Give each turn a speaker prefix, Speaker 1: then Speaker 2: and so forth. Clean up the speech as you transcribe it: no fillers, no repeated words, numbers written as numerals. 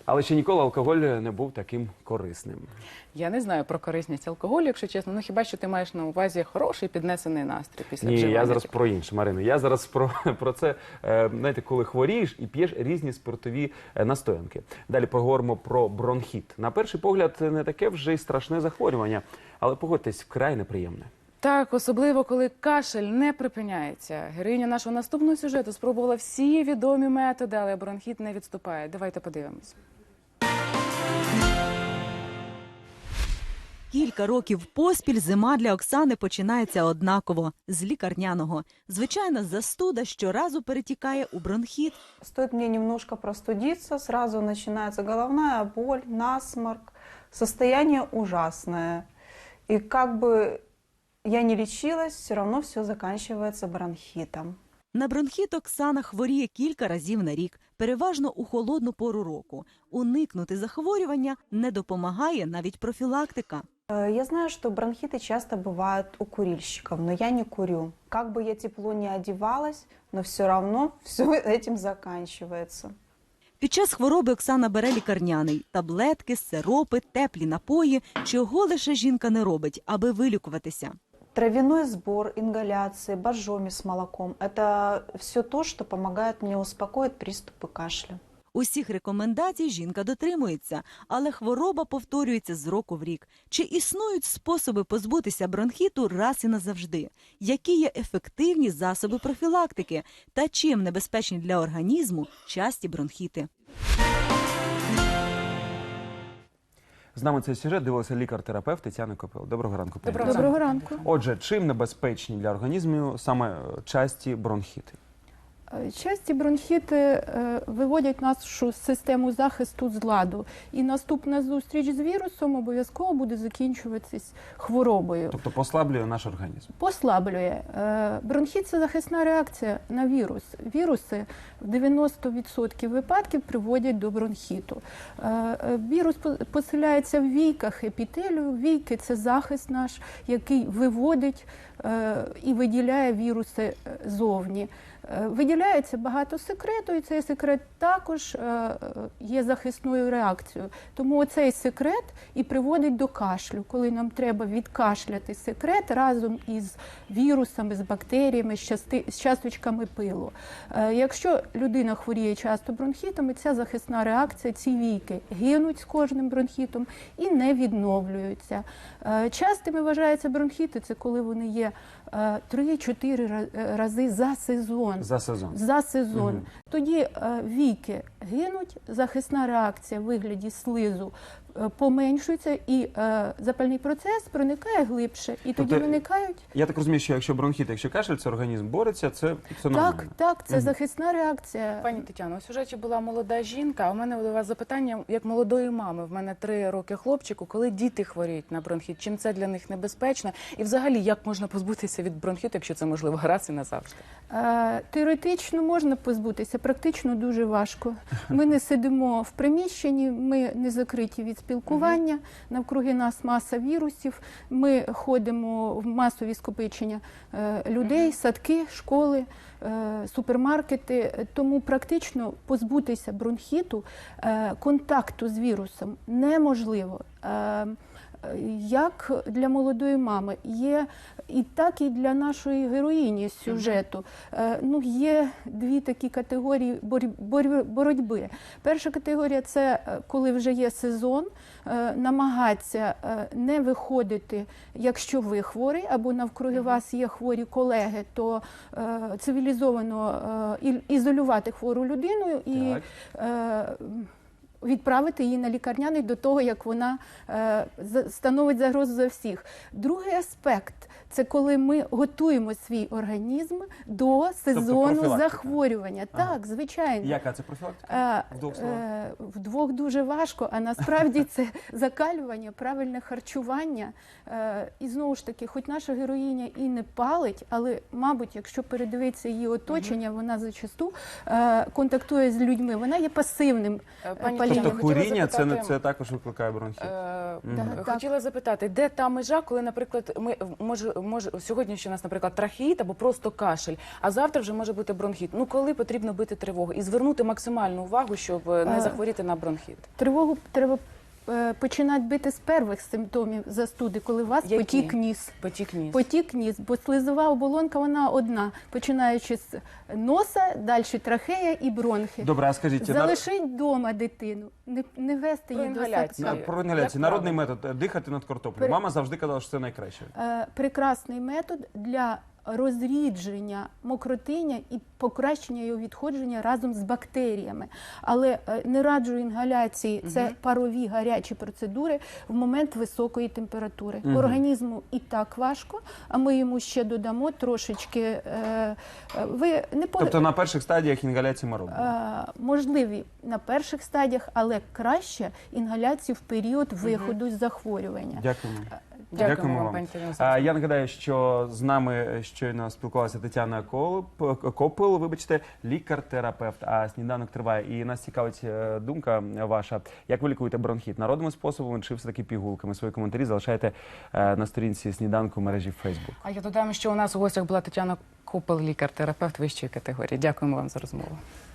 Speaker 1: Але ще ніколи алкоголь не був таким корисним.
Speaker 2: Я не знаю про корисність алкоголю, якщо чесно. Ну хіба що ти маєш на увазі хороший піднесений настрій після
Speaker 1: Ні,
Speaker 2: вживання?
Speaker 1: я зараз про інше, Марино. Я зараз про це, знаєте, коли хворієш і п'єш різні спиртові настоянки. Далі поговоримо про бронхіт. На перший погляд, не таке вже й страшне захворювання, але погодьтесь, вкрай неприємне.
Speaker 2: Так, особливо, коли кашель не припиняється. Героїня нашого наступного сюжету спробувала всі відомі методи, але бронхіт не відступає. Давайте подивимось.
Speaker 3: Кілька років поспіль зима для Оксани починається однаково – з лікарняного. Звичайна застуда щоразу перетікає у бронхіт.
Speaker 4: Стоит мне немножко простудиться, сразу начинается головная боль, насморк, состояние ужасное. И как бы я не лечилась, все равно все заканчивается бронхитом.
Speaker 3: На бронхіт Оксана хворіє кілька разів на рік, переважно у холодну пору року. Уникнути захворювання не допомагає навіть профілактика.
Speaker 4: Я знаю, что бронхиты часто бывают у курильщиков, но я не курю. Как бы я тепло не одевалась, но все равно все этим заканчивается.
Speaker 3: Під час хвороби Оксана бере лікарняний – таблетки, сиропи, теплі напої. Чого лише жінка не робить, аби вилікуватися.
Speaker 4: Травяной сбор, ингаляции, боржоми с молоком – это все то, что помогает мне успокоить приступы кашля.
Speaker 3: Усіх рекомендацій жінка дотримується, але хвороба повторюється з року в рік. Чи існують способи позбутися бронхіту раз і назавжди? Які є ефективні засоби профілактики? Та чим небезпечні для організму часті бронхіти?
Speaker 1: З нами цей сюжет дивилася лікар-терапевт Тетяна Копил. Доброго ранку, пані.
Speaker 2: Доброго
Speaker 5: ранку.
Speaker 1: Отже, чим небезпечні для організму саме часті бронхіти?
Speaker 5: Часті бронхіти виводять нашу систему захисту з ладу. І наступна зустріч з вірусом обов'язково буде закінчуватись хворобою.
Speaker 1: Тобто послаблює наш організм?
Speaker 5: Послаблює. Бронхіт – це захисна реакція на вірус. Віруси в 90% випадків приводять до бронхіту. Вірус поселяється в війках епітелію. Війки – це захист наш, який виводить і виділяє віруси зовні. Виділяється багато секрету, і цей секрет також є захисною реакцією. Тому оцей секрет і приводить до кашлю, коли нам треба відкашляти секрет разом із вірусами, з бактеріями, з часточками пилу. Якщо людина хворіє часто бронхітами, ця захисна реакція, ці війки гинуть з кожним бронхітом і не відновлюються. Частими вважаються бронхіти, це коли вони є 3-4 рази за сезон. За сезон. Тоді війки гинуть, захисна реакція в вигляді слизу поменшується, і запальний процес проникає глибше, і тоді виникають...
Speaker 1: Я так розумію, що якщо бронхіт, якщо кашель, це організм бореться, це нормально?
Speaker 5: Так, це захисна реакція.
Speaker 2: Пані Тетяно, у сюжеті була молода жінка, а у мене до вас запитання, як молодої мами. В мене 3 роки хлопчику, коли діти хворіють на бронхіт, чим це для них небезпечно? І взагалі, як можна позбутися від бронхіту, якщо це можливо раз і назавжди?
Speaker 5: Теоретично можна позбутися, практично дуже важко. Ми не сидимо в приміщенні, ми не закриті від спілкування, навкруги нас маса вірусів, ми ходимо в масові скопичення людей, садки, школи, супермаркети, тому практично позбутися бронхіту, контакту з вірусом неможливо. Як для молодої мами, є і так і для нашої героїні з сюжету. Є 2 такі категорії боротьби. Перша категорія – це коли вже є сезон, намагатися не виходити, якщо ви хворий, або навкруги вас є хворі колеги, то цивілізовано ізолювати хвору людину і відправити її на лікарняний до того, як вона становить загрозу за всіх. Другий аспект – це коли ми готуємо свій організм до сезону захворювання. Так, звичайно.
Speaker 1: Яка це профілактика? В 2 словах?
Speaker 5: В 2 дуже важко, а насправді це закалювання, правильне харчування. І знову ж таки, хоч наша героїня і не палить, але, мабуть, якщо передивитися її оточення, вона зачасту контактує з людьми. Вона є пасивним палієм.
Speaker 1: тобто
Speaker 2: Хотіла
Speaker 1: куріння
Speaker 2: запитати-
Speaker 1: це також викликає бронхіт.
Speaker 2: Хотіла запитати, де та межа, коли, наприклад, сьогодні ще у нас, наприклад, трахеїт або просто кашель, а завтра вже може бути бронхіт. Ну, коли потрібно бити тривогу і звернути максимальну увагу, щоб не захворіти на бронхіт?
Speaker 5: Тривогу треба починати бити з перших симптомів застуди, коли у вас
Speaker 2: Які?
Speaker 5: потік ніс.
Speaker 2: Потік ніс.
Speaker 5: Потік ніс, бо слизова оболонка вона одна, починаючи з носа, далі трахея і бронхи.
Speaker 1: Добре, а скажіть,
Speaker 5: Залишить вдома дитину, не вести
Speaker 2: Про
Speaker 5: її до
Speaker 2: інгаляцію.
Speaker 5: садка.
Speaker 1: про інгаляцію,
Speaker 2: Як
Speaker 1: народний
Speaker 2: правило?
Speaker 1: метод дихати над картоплею. Мама завжди казала, що це найкраще.
Speaker 5: Прекрасний метод для розрідження мокротиння і покращення його відходження разом з бактеріями. Але не раджу інгаляції, це парові гарячі процедури в момент високої температури. Організму і так важко, а ми йому ще додамо трошечки. Ви не
Speaker 1: Тобто на перших стадіях інгаляції ми робимо.
Speaker 5: можливі на перших стадіях, але краще інгаляцію в період виходу з захворювання.
Speaker 1: Дякуємо.
Speaker 2: Дякуємо вам, пані Тетяно.
Speaker 1: Я нагадаю, що з нами щойно спілкувалася Тетяна Копил, вибачте, лікар-терапевт. А сніданок триває. І нас цікавить думка ваша. Як ви лікуєте бронхіт? Народними способами чи все-таки пігулками? Свої коментарі залишайте на сторінці сніданку в мережі Facebook.
Speaker 2: А я додам, що у нас у гостях була Тетяна Копил, лікар-терапевт вищої категорії. Дякуємо вам за розмову.